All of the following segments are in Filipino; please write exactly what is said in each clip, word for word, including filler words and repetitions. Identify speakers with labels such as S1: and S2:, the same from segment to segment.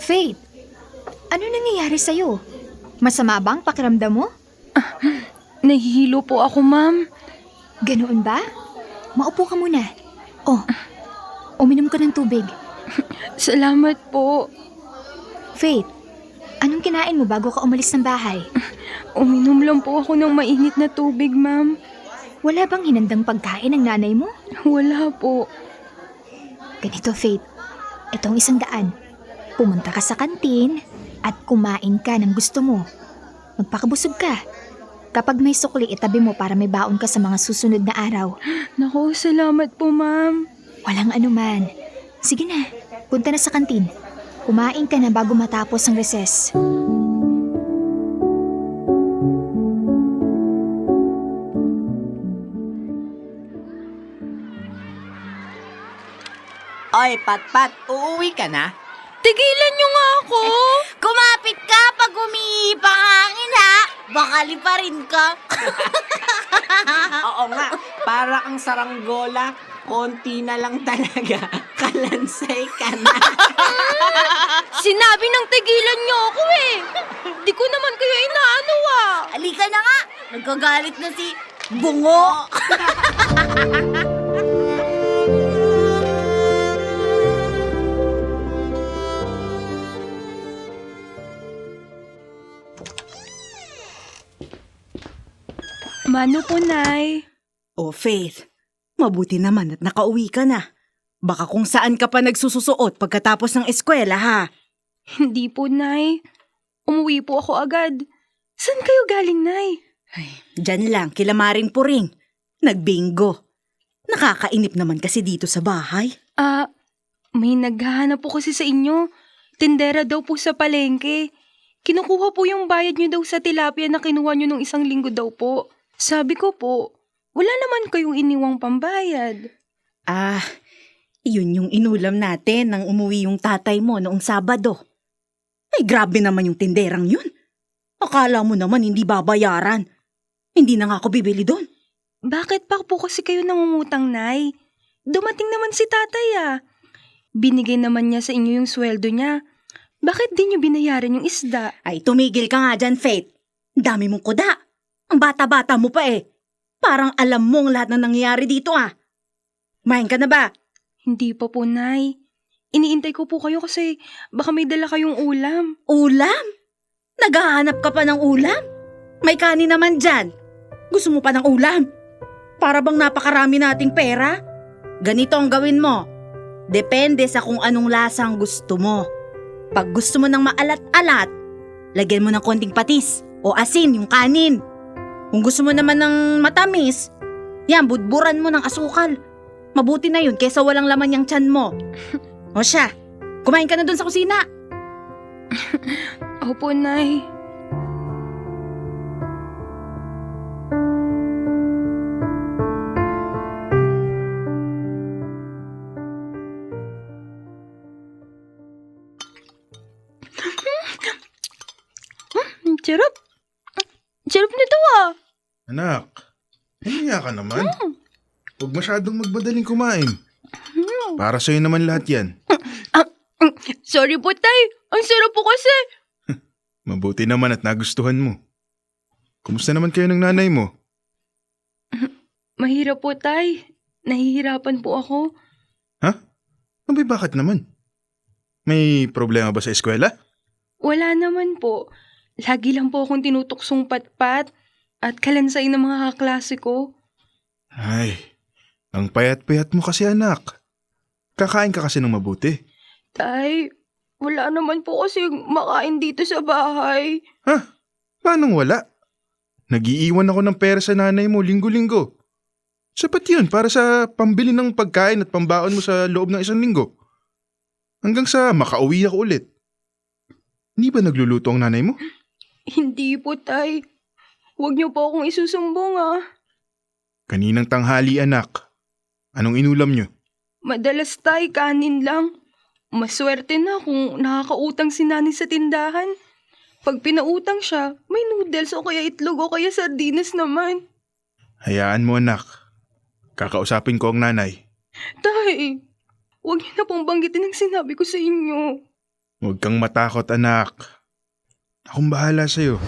S1: Faith, ano nangyayari sa'yo? Masama ba ang pakiramdam mo?
S2: Nahihilo po ako, ma'am.
S1: Ganoon ba? Maupo ka muna. Oh, uminom ka ng tubig.
S2: Salamat po.
S1: Faith, anong kinain mo bago ka umalis ng bahay?
S2: Uminom lang po ako ng mainit na tubig, ma'am.
S1: Wala bang hinandang pagkain ng nanay mo?
S2: Wala po.
S1: Ganito, Faith. Itong isang daan. Pumunta ka sa kantin at kumain ka ng gusto mo. Magpakabusog ka. Kapag may sukli, itabi mo para may baon ka sa mga susunod na araw.
S2: Naku, salamat po, ma'am.
S1: Walang anuman. Sige na, punta na sa kantin. Kumain ka na bago matapos ang recess.
S3: Oy, Patpat, uuwi ka na?
S2: Tigilan niyo nga ako!
S4: Kumapit ka pag umiipa ang hangin, ha? Baka liparin ka.
S3: Oo nga, para ang saranggola, konti na lang talaga. Kalansay ka na.
S2: Sinabi ng tigilan niyo ako eh! Di ko naman kayo inaano ah!
S4: Halika na nga. Nagkagalit na si Bungo.
S2: Mano po, Nay?
S3: Oh, Faith, mabuti naman at nakauwi ka na. Baka kung saan ka pa nagsususuot pagkatapos ng eskwela, ha?
S2: Hindi po, Nay. Umuwi po ako agad. Saan kayo galing, Nay?
S3: Ay, dyan lang, kila Maring Puring. Nagbingo. Nakakainip naman kasi dito sa bahay.
S2: Ah, may naghahanap po kasi sa inyo. Tindera daw po sa palengke. Kinukuha po yung bayad nyo daw sa tilapia na kinuha nyo nung isang linggo daw po. Sabi ko po, wala naman kayong iniwang pambayad.
S3: Ah, yun yung inulam natin nang umuwi yung tatay mo noong Sabado. Ay, grabe naman yung tinderang yun. Akala mo naman hindi babayaran. Hindi na nga ako bibili doon.
S2: Bakit pa po kasi kayo nangungutang, Nay? Dumating naman si tatay ah. Binigay naman niya sa inyo yung sweldo niya. Bakit di niyo binayaran yung isda?
S3: Ay, tumigil ka nga dyan, Faith. Dami mong kuda. Ang bata-bata mo pa eh. Parang alam mong lahat na nangyayari dito ah. Kumain ka na ba?
S2: Hindi pa po, Nay. Iniintay ko po kayo kasi baka may dala kayong ulam.
S3: Ulam? Naghahanap ka pa ng ulam? May kanin naman dyan. Gusto mo pa ng ulam? Para bang napakarami nating pera? Ganito ang gawin mo. Depende sa kung anong lasang gusto mo. Pag gusto mo ng maalat-alat, lagyan mo ng konting patis o asin yung kanin. Kung gusto mo naman ng matamis, yan, budburan mo ng asukal. Mabuti na yun kaysa walang laman yung tiyan mo. O siya, kumain ka na dun sa kusina.
S2: Opo, Nay. Hmm, sarap. Sarap nito ah.
S5: Anak, hiya ka naman. Huwag masyadong magmadaling kumain. Para sa'yo naman lahat yan.
S2: Sorry po, Tay. Ang sarap po kasi.
S5: Mabuti naman at nagustuhan mo. Kumusta naman kayo ng nanay mo?
S2: Mahirap po, Tay. Nahihirapan po ako.
S5: Ha? Abay, bakit naman? May problema ba sa eskwela?
S2: Wala naman po. Lagi lang po akong tinutuksong patpat at kalansay ng mga kaklase ko.
S5: Ay, ang payat-payat mo kasi anak. Kakain ka kasi ng mabuti.
S2: Tay, wala naman po kasi makain dito sa bahay.
S5: Ha? Paanong wala? Nag-iiwan ako ng pera sa nanay mo linggo-linggo. Sapat yun para sa pambili ng pagkain at pambaon mo sa loob ng isang linggo. Hanggang sa makauwi ako ulit. Hindi ba nagluluto ang nanay mo?
S2: Hindi po, Tay. Huwag niyo po akong isusumbong ah.
S5: Kaninang tanghali anak. Anong inulam niyo?
S2: Madalas, Tay, kanin lang. Maswerte na kung nakakautang si Nani sa tindahan. Pag pinautang siya, may noodles o kaya itlog o kaya sardinas naman.
S5: Hayaan mo anak. Kakausapin ko ang nanay.
S2: Tay, huwag niyo na pong banggitin ang sinabi ko sa inyo.
S5: Huwag kang matakot, anak. Akong bahala sa'yo.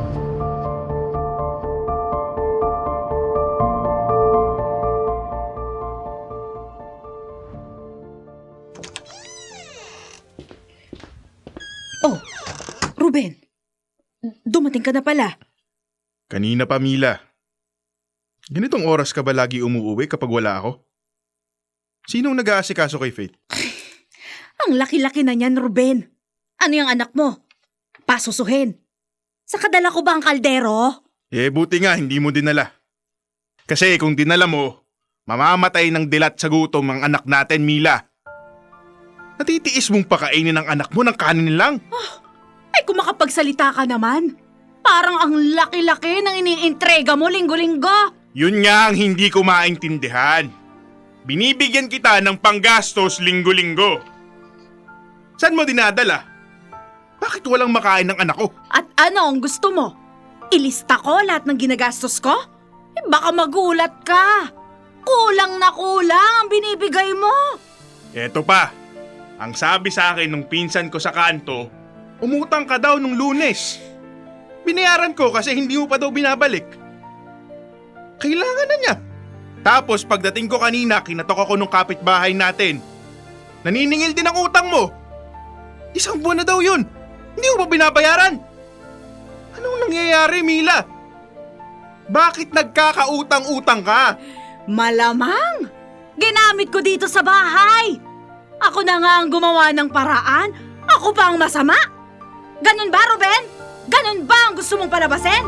S3: Oh, Ruben. Dumating ka na pala.
S5: Kanina pa, Mila. Ganitong oras ka ba lagi umuuwi kapag wala ako? Sinong nag-aasikaso kay Faith?
S3: Ang laki-laki na niyan, Ruben. Ano yung anak mo? Pasusuhin. Sa kadala ko ba ang kaldero?
S5: Eh, buti nga hindi mo dinala. Kasi kung dinala mo, mamamatay ng dilat sa gutom ang anak natin, Mila. Natitiis mong pakainin ng anak mo ng kanin lang?
S3: Ay, kung makapagsalita ka naman. Parang ang laki-laki ng iniintrega mo linggo-linggo.
S5: Yun nga ang hindi ko maintindihan. Binibigyan kita ng panggastos linggo-linggo. Saan mo dinadala? Bakit walang makain ng anak ko?
S3: At ano ang gusto mo? Ilista ko lahat ng ginagastos ko? Eh, baka magulat ka. Kulang na kulang ang binibigay mo.
S5: Eto pa, ang sabi sa akin nung pinsan ko sa kanto, umutang ka daw nung Lunes. Binayaran ko kasi hindi mo pa daw binabalik. Kailangan na niya. Tapos pagdating ko kanina, kinatok ako nung kapitbahay natin. Naniningil din ang utang mo. Isang buwan na daw yun. Hindi mo ba binabayaran? Anong nangyayari, Mila? Bakit nagkakautang-utang ka?
S3: Malamang. Ginamit ko dito sa bahay. Ako na nga ang gumawa ng paraan. Ako pa ang masama. Ganun ba, Ruben? Ganun ba ang gusto mong palabasin?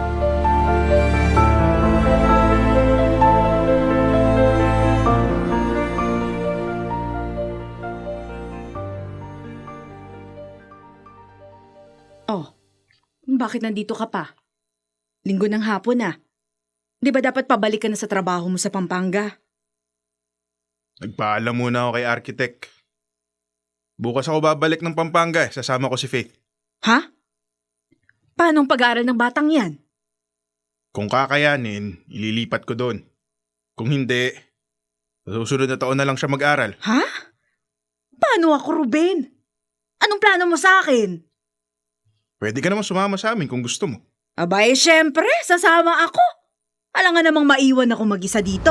S3: Oh, bakit nandito ka pa? Linggo ng hapon na. Di ba dapat pabalik ka na sa trabaho mo sa Pampanga?
S5: Nagpaalam muna ako kay Architect. Bukas ako babalik ng Pampanga eh. Sasama ko si Faith.
S3: Ha? Paano ang pag-aaral ng batang yan?
S5: Kung kakayanin, ililipat ko doon. Kung hindi, sa susunod na taon na lang siya mag-aral.
S3: Ha? Paano ako, Ruben? Anong plano mo sa akin?
S5: Pwede ka naman sumama sa amin kung gusto mo.
S3: Abay, syempre, sasama ako. Alam nga namang maiwan ako mag-isa dito.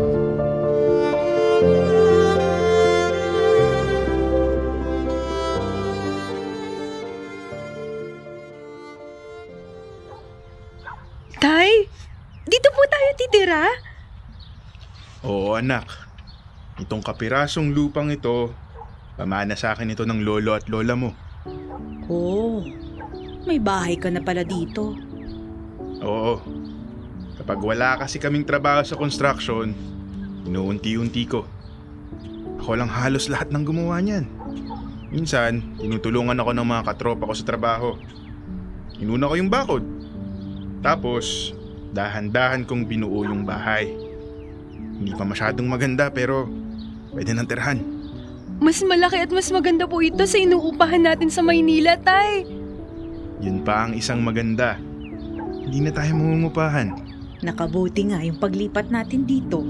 S2: Tay, dito po tayo titira?
S5: Oo, anak. Itong kapirasong lupang ito, pamana sa akin ito ng lolo at lola mo.
S3: Oh, may bahay ka na pala dito.
S5: Oo. Kapag wala kasi kaming trabaho sa construction, inuunti-unti ko. Ako lang halos lahat ng gumawa niyan. Minsan, tinutulungan ako ng mga katropa ko sa trabaho. Inuna ko yung bakod. Tapos, dahan-dahan kong binuo yung bahay. Hindi pa masyadong maganda pero pwede nang tirhan.
S2: Mas malaki at mas maganda po ito sa inuupahan natin sa Maynila, Tay.
S5: Yun pa ang isang maganda. Hindi na tayo mangungupahan.
S3: Nakabuti nga yung paglipat natin dito.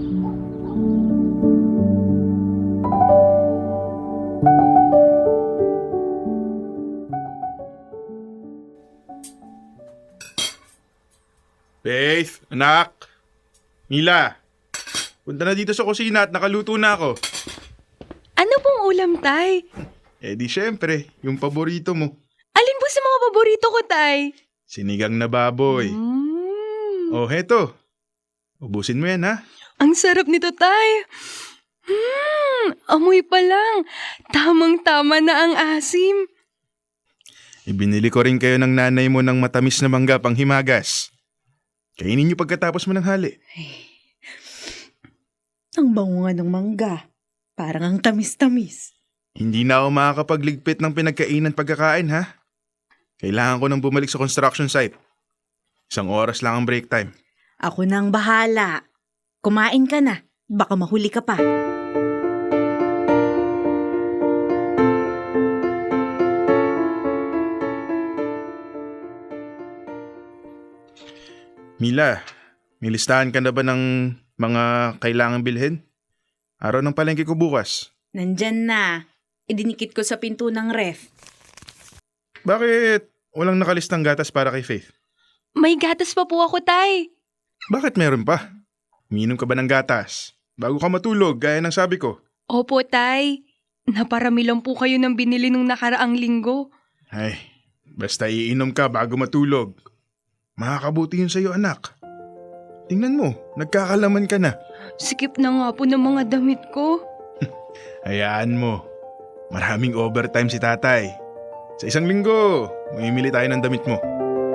S5: Faith, anak. Mila, punta na dito sa kusina at nakaluto na ako.
S2: Ano pong ulam, Tay?
S5: Eh di syempre, yung paborito mo.
S2: Alin po sa mga paborito ko, Tay?
S5: Sinigang na baboy.
S2: Mm.
S5: Oh, heto. Ubusin mo yan, ha?
S2: Ang sarap nito, Tay. Hmm, amoy pa lang. Tamang-tama na ang asim.
S5: Ibinili ko rin kayo ng nanay mo ng matamis na mangga pang himagas. Kainin niyo pagkatapos mo ng hali.
S3: Ang bango nga ng mangga. Parang ang tamis-tamis.
S5: Hindi na ako makakapagligpit ng pinagkainan pagkakain, ha? Kailangan ko nang bumalik sa construction site. Isang oras lang ang break time.
S3: Ako nang bahala. Kumain ka na. Baka mahuli ka pa.
S5: Mila, may listahan ka na ba ng mga kailangang bilhin? Araw ng palengke ko bukas.
S3: Nandyan na. idinikit ko sa pinto ng ref.
S5: Bakit walang nakalistang gatas para kay Faith?
S2: May gatas pa po ako, Tay.
S5: Bakit meron pa? Uminom ka ba ng gatas? Bago ka matulog, gaya ng sabi ko.
S2: Opo, Tay. Naparami lang po kayo ng binili nung nakaraang linggo.
S5: Ay, basta iinom ka bago matulog. Makakabuti yun sa'yo, anak. Tingnan mo, nagkakalaman ka na.
S2: Sikip na nga po ng mga damit ko.
S5: Hayaan mo. Maraming overtime si tatay. Sa isang linggo, mamimili tayo ng damit mo.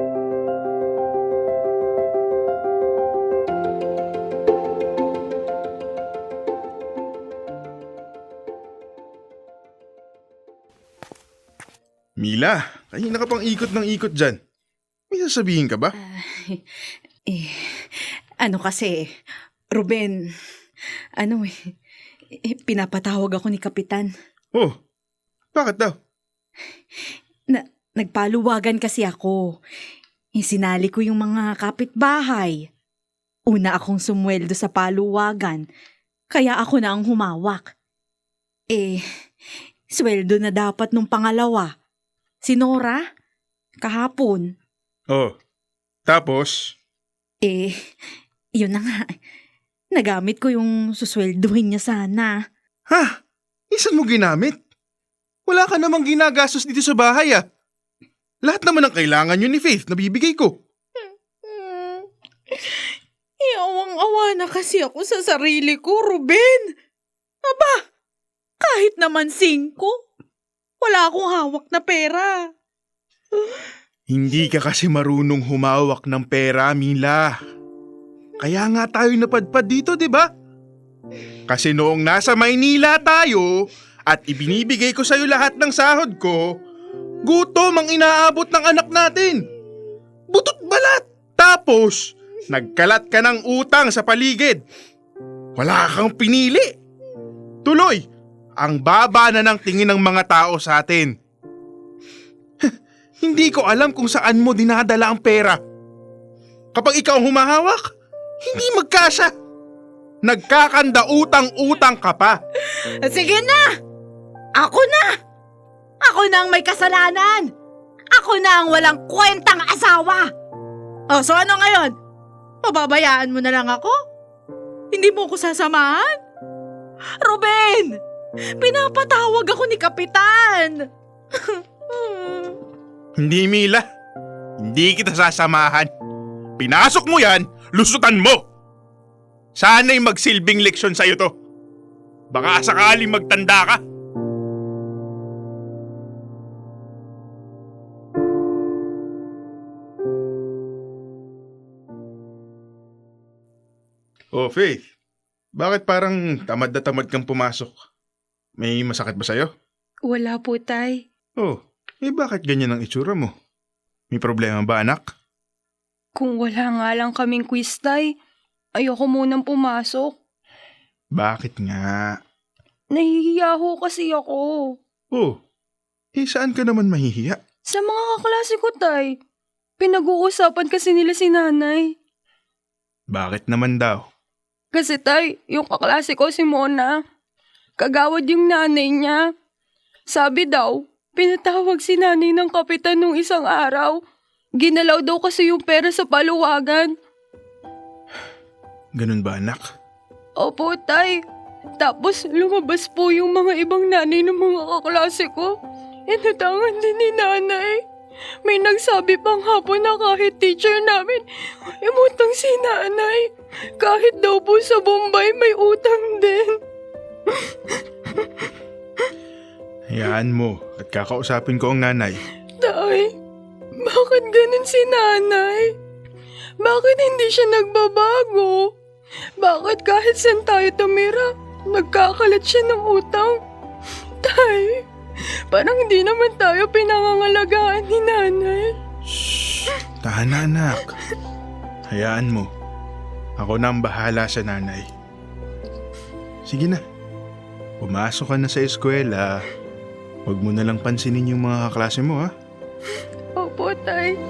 S5: Mila, kanina ka pang ikot ng ikot dyan. May sasabihin ka ba?
S3: Eh, ano kasi, Ruben, ano eh, eh, pinapatawag ako ni Kapitan.
S5: Oh, bakit daw?
S3: Na, nagpaluwagan kasi ako. Eh, sinali ko yung mga kapitbahay. Una akong sumweldo sa paluwagan, kaya ako na ang humawak. Eh, sweldo na dapat nung pangalawa. Si Nora, kahapon.
S5: Oh, tapos?
S3: Eh, yun na nga. Nagamit ko yung susweldohin niya sana.
S5: Ha? Isan mo ginamit? Wala ka namang ginagastos dito sa bahay ah. Lahat naman ng kailangan yun ni Faith na bibigay ko.
S3: Hmm. Iawang-awa na kasi ako sa sarili ko, Ruben. Aba, kahit naman singko, wala akong hawak na pera.
S5: Hindi ka kasi marunong humawak ng pera, Mila. Kaya nga tayo napadpad dito, di ba? Kasi noong nasa Maynila tayo at ibinibigay ko sa'yo lahat ng sahod ko, gutom ang inaabot ng anak natin. Butot balat. Tapos, nagkalat ka ng utang sa paligid. Wala kang pinili. Tuloy, ang baba na ng tingin ng mga tao sa atin. Hindi ko alam kung saan mo dinadala ang pera. Kapag ikaw ang humahawak, hindi magkasya. Nagkakanda utang-utang ka pa.
S3: Sige na! Ako na! Ako na ang may kasalanan! Ako na ang walang kwentang asawa! O, so ano ngayon? Pababayaan mo na lang ako? Hindi mo ko sasamahan? Ruben! Pinapatawag ako ni Kapitan!
S5: Hindi, Mila. Hindi kita sasamahan. Pinasok mo yan, lusutan mo! Sana'y magsilbing leksyon sa'yo to. Baka sakaling magtanda ka. Oh, Faith. Bakit parang tamad na tamad kang pumasok? May masakit ba sa'yo?
S2: Wala po, Tay.
S5: Oh, eh bakit ganyan ang itsura mo? May problema ba, anak?
S2: Kung wala nga lang kaming quiz, Tay, ayoko munang pumasok.
S5: Bakit nga?
S2: Nahihiya ho kasi ako.
S5: Oh, eh saan ka naman mahihiya?
S2: Sa mga kaklase ko, Tay. Pinag-uusapan kasi nila si nanay.
S5: Bakit naman daw?
S2: Kasi, Tay, yung kaklase ko si Mona, kagawad yung nanay niya. Sabi daw, pinatawag si nanay ng kapitan nung isang araw. Ginalaw daw kasi yung pera sa paluwagan.
S5: Ganun ba, anak?
S2: Opo, Tay. Tapos lumabas po yung mga ibang nanay ng mga kaklase ko. Inutangan din ni nanay. May nagsabi pang hapon na kahit teacher namin, imutang si nanay. Kahit daw po sa Bombay may utang din.
S5: Hayaan mo at kakausapin ko ang nanay.
S2: Tay, bakit ganun si nanay? Bakit hindi siya nagbabago? Bakit kahit saan tayo tumira, nagkakalat siya ng utang? Tay, parang hindi naman tayo pinangangalagaan ni nanay.
S5: Shh! Tahan na, anak. Hayaan mo. Ako na ang bahala sa nanay. Sige na. Pumasok ka na sa eskwela. Huwag mo na lang pansinin yung mga kaklase mo, ha?
S2: Opo, Tay.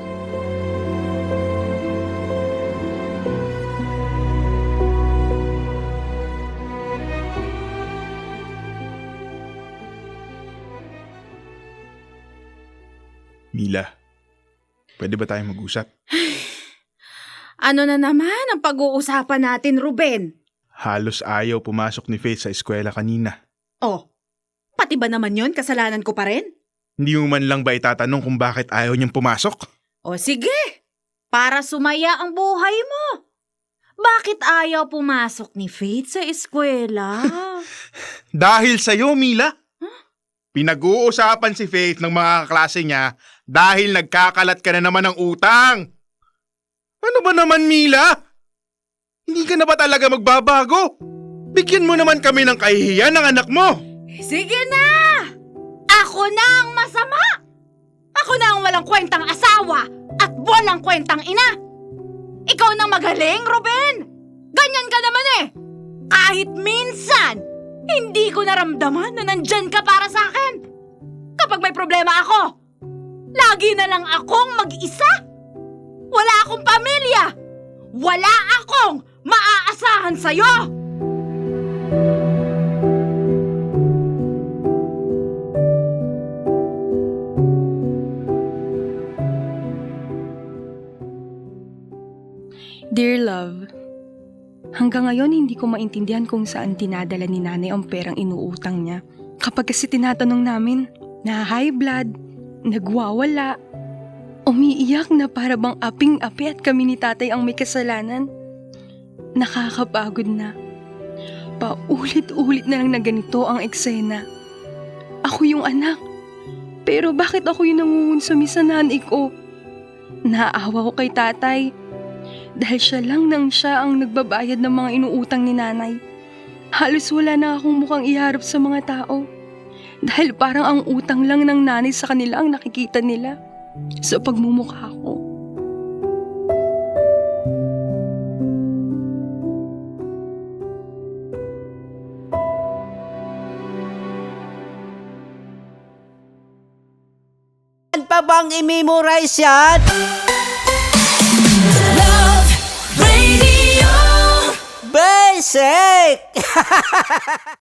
S5: Mila, pwede ba tayong mag-usap?
S3: Ano na naman ang pag-uusapan natin, Ruben?
S5: Halos ayaw pumasok ni Faith sa eskwela kanina.
S3: Oh, pati ba naman yon kasalanan ko pa rin?
S5: Hindi mo man lang ba itatanong kung bakit ayaw niyang pumasok?
S3: O sige, para sumaya ang buhay mo. Bakit ayaw pumasok ni Faith sa eskwela?
S5: Dahil sa'yo, Mila. Pinag-uusapan si Faith ng mga kaklase niya dahil nagkakalat ka na naman ng utang. Ano ba naman, Mila? Hindi ka na ba talaga magbabago? Bigyan mo naman kami ng kahihiyan ng anak mo.
S3: Sige na! Ako na ang masama! Ako na ang walang kwentang asawa at walang kwentang ina! Ikaw nang magaling, Ruben! Ganyan ka naman eh! Kahit minsan, hindi ko naramdaman na nandyan ka para sa akin. Kapag may problema ako, lagi na lang akong mag-isa. Wala akong pamilya. Wala akong maaasahan sa'yo.
S2: Dear love, hanggang ngayon hindi ko maintindihan kung saan tinadala ni nanay ang perang inuutang niya. Kapag kasi tinatanong namin, na high blood, nagwawala, umiiyak na para bang aping-api at kami ni tatay ang may kasalanan. Nakakapagod na. Paulit-ulit na lang na ganito ang eksena. Ako yung anak, pero bakit ako yung nangungunsumi sa nanay ko? Naawa ko kay tatay. Dahil siya lang nang siya ang nagbabayad ng mga inuutang ni nanay. Halos wala na akong mukhang iharap sa mga tao. Dahil parang ang utang lang ng nanay sa kanila ang nakikita nila sa pagmumukha ko.
S6: Saan pa bang i-memorize yan? Basic!